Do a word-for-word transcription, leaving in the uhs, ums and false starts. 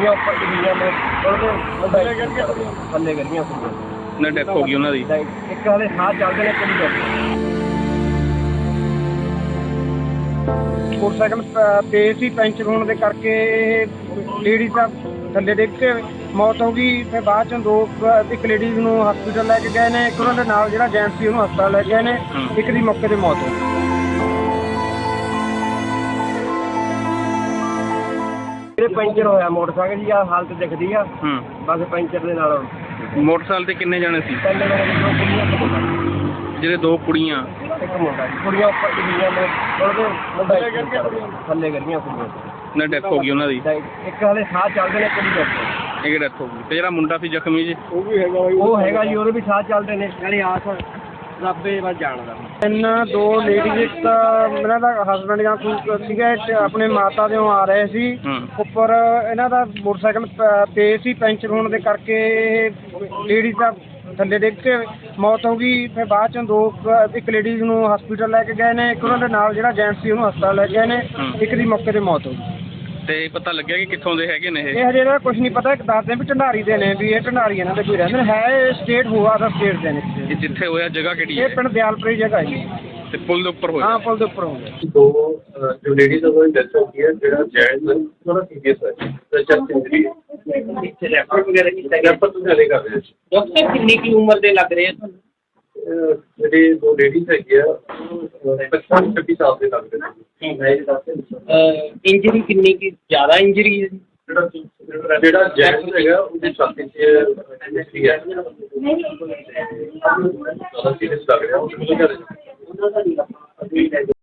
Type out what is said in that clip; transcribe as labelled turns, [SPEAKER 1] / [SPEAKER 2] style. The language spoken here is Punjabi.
[SPEAKER 1] ਕੁੜੀਆਂ ਉੱਪਰ ਡਿੱਗੀਆਂ ਨੇ, ਉਹਦੇ ਥੱਲੇ ਗਿਰੀਆਂ ਕੁੜੀਆਂ
[SPEAKER 2] ਨਾ ਡੈਥ ਹੋ ਗਈ ਉਹਨਾਂ ਦੀ।
[SPEAKER 1] ਇੱਕ ਹਾਲੇ ਸਾਹ ਚੱਲਦੇ ਨੇ ਕੁੜੀ ਦੇ। ਮੋਟਰਸਾਈਕਲ ਤੇਜ਼ ਸੀ, ਪੈਂਚਰ ਹੋਣ ਦੇ ਕਰਕੇ ਲੇਡੀਜ਼ ਦਾ ਥੱਲੇ ਡਿੱਗ ਕੇ ਮੌਤ ਹੋ ਗਈ। ਫਿਰ ਬਾਅਦ ਚੋਂ ਦੋ ਇੱਕ ਲੇਡੀਜ਼ ਨੂੰ ਹਸਪੀਟਲ ਲੈ ਕੇ ਗਏ ਨੇ, ਇੱਕ ਉਹਨਾਂ ਦੇ ਨਾਲ ਜਿਹੜਾ ਜੈਂਟਸ ਸੀ ਉਹਨੂੰ ਹਸਪਤਾਲ ਲੈ ਗਏ ਨੇ, ਇੱਕ ਦੀ ਮੌਕੇ 'ਤੇ ਮੌਤ ਹੋ ਗਈ। ਜਿਹੜੇ ਪੈਂਚਰ ਹੋਇਆ ਮੋਟਰਸਾਈਕਲ ਦੀ ਆ ਹਾਲਤ ਦਿਖਦੀ ਆ, ਬਸ ਪੈਂਚਰ ਦੇ ਨਾਲ।
[SPEAKER 2] ਮੋਟਰਸਾਈਕਲ ਤੇ ਕਿੰਨੇ ਜਾਣੇ ਸੀ?
[SPEAKER 1] ਪਹਿਲੇ ਮੇਰੇ ਦੋ ਕੁੜੀਆਂ,
[SPEAKER 2] ਜਿਹੜੇ ਦੋ ਕੁੜੀਆਂ
[SPEAKER 1] ਇੱਕ ਮੁੰਡਾ ਜੀ। ਕੁੜੀਆਂ ਉੱਪਰ ਡਿੱਗੀਆਂ ਨੇ, ਉਹਦੇ ਥੱਲੇ ਗਿਰੀਆਂ ਕੁੜੀਆਂ
[SPEAKER 2] ਨਾ ਡੈਥ ਹੋ ਗਈ ਉਹਨਾਂ ਦੀ।
[SPEAKER 1] ਇੱਕ ਹਾਲੇ ਸਾਹ ਚੱਲਦੇ ਨੇ ਕੁੜੀ ਦੇ।
[SPEAKER 2] ਇੱਕ ਡੈਥ ਹੋ ਗਈ। ਤੇ ਜਿਹੜਾ ਮੁੰਡਾ ਸੀ ਜ਼ਖਮੀ ਜੀ?
[SPEAKER 1] ਉਹ ਵੀ ਹੈਗਾ ਉਹ ਹੈਗਾ ਜੀ, ਉਹਦੇ ਵੀ ਸਾਹ ਚੱਲਦੇ ਨੇ। ਨਾਲੇ ਆਸ ਰੱਬੇ ਵੱਲ ਜਾਣਦਾ। ਇਹਨਾਂ ਦੋ ਲੇਡੀਜ਼, ਇੱਕ ਤਾਂ ਇਹਨਾਂ ਦਾ ਹਸਬੈਂਡ ਜਾਂ ਕੋਈ ਸੀਗਾ, ਆਪਣੇ ਮਾਤਾ ਦੇ ਆ ਰਹੇ ਸੀ ਉੱਪਰ। ਇਹਨਾਂ ਦਾ ਮੋਟਰਸਾਈਕਲ ਤੇਜ਼ ਸੀ, ਪੈਂਚਰ ਹੋਣ ਦੇ ਕਰਕੇ ਲੇਡੀਜ਼ ਦਾ ਥੱਲੇ ਡਿੱਗ ਕੇ ਮੌਤ ਹੋ ਗਈ। ਫਿਰ ਬਾਅਦ ਚੋਂ ਦੋ ਇੱਕ ਲੇਡੀਜ਼ ਨੂੰ ਹਸਪੀਟਲ ਲੈ ਕੇ ਗਏ ਨੇ, ਇੱਕ ਉਹਨਾਂ ਦੇ ਨਾਲ ਜਿਹੜਾ ਜੈਂਟਸ ਸੀ ਉਹਨੂੰ ਹਸਪਤਾਲ ਲੈ ਗਏ ਨੇ, ਇੱਕ ਦੀ ਮੌਕੇ 'ਤੇ ਮੌਤ ਹੋ ਗਈ।
[SPEAKER 2] ਤੇ ਪਤਾ ਲੱਗਿਆ ਕਿ ਕਿੱਥੋਂ ਦੇ ਹੈਗੇ ਨੇ ਇਹ?
[SPEAKER 1] ਇਹ ਹਜੇ ਇਹਦਾ ਕੁਝ ਨਹੀਂ ਪਤਾ। ਇੱਕ ਦੱਸਦੇ ਵੀ ਢੰਡਾਰੀ ਦੇ ਨੇ, ਵੀ ਇਹ ਢੰਡਾਰੀ ਇਹਨਾਂ ਦੇ ਕੋਈ ਰਹਿੰਦੇ ਨੇ। ਹੈ ਇਹ ਸਟੇਟ ਹੋਆ ਦਾ ਸਟੇਟ ਦੇ ਨੇ।
[SPEAKER 2] ਇਹ ਜਿੱਥੇ ਹੋਇਆ ਜਗ੍ਹਾ ਕਿਹੜੀ ਹੈ?
[SPEAKER 1] ਇਹ ਪਿੰਡ ਦਿਆਲਪੁਰੀ ਜਗ੍ਹਾ ਹੈ।
[SPEAKER 2] ਤੇ ਪੁਲ ਦੇ ਉੱਪਰ ਹੋਇਆ?
[SPEAKER 1] ਹਾਂ, ਪੁਲ ਦੇ ਉੱਪਰ ਹੋ ਗਿਆ।
[SPEAKER 3] ਦੋ ਜੋ ਲੇਡੀਜ਼ ਉਹਨਾਂ ਦੀ ਡੈਥ ਹੋ ਗਈ ਹੈ, ਜਿਹੜਾ ਜੈਂਟਸ ਥੋੜਾ ਸੀਰੀਅਸ ਹੈ, ਚੈਸਟ ਇੰਜਰੀ ਹੈ। ਇੱਥੇ ਰੈਫਰ ਵਗੈਰਾ ਕੀਤਾ ਗਿਆ, ਰੈਫਰ ਤੋਂ ਚਲੇ ਕਰ ਰਹੇ ਸੀ।
[SPEAKER 4] ਡਾਕਟਰ ਕਿੰਨੀ ਕੀ ਉਮਰ ਦੇ ਲੱਗ ਰਹੇ ਆ ਤੁਹਾਨੂੰ?
[SPEAKER 3] ਜਿਹੜੇ ਦੋ ਲੇਡੀਜ਼ ਹੈਗੇ ਆ ਪਚਪਨ ਛੱਬੀ ਸਾਲ ਦੇ ਲੱਗ ਰਹੇ ਸੀ।
[SPEAKER 4] ਇੰਜਰੀ ਕਿੰਨੀ ਕੀ ਜ਼ਿਆਦਾ ਇੰਜਰੀ ਹੈ?
[SPEAKER 3] ਜਿਹੜਾ ਜਿਹੜਾ ਜੈਂਟਸ ਹੈਗਾ ਉਹਦੀ ਛਾਤੀ 'ਚ ਇੰਜਰੀ ਹੈ, ਜ਼ਿਆਦਾ ਸੀਰੀਅਸ ਲੱਗ ਰਿਹਾ। ਉਹ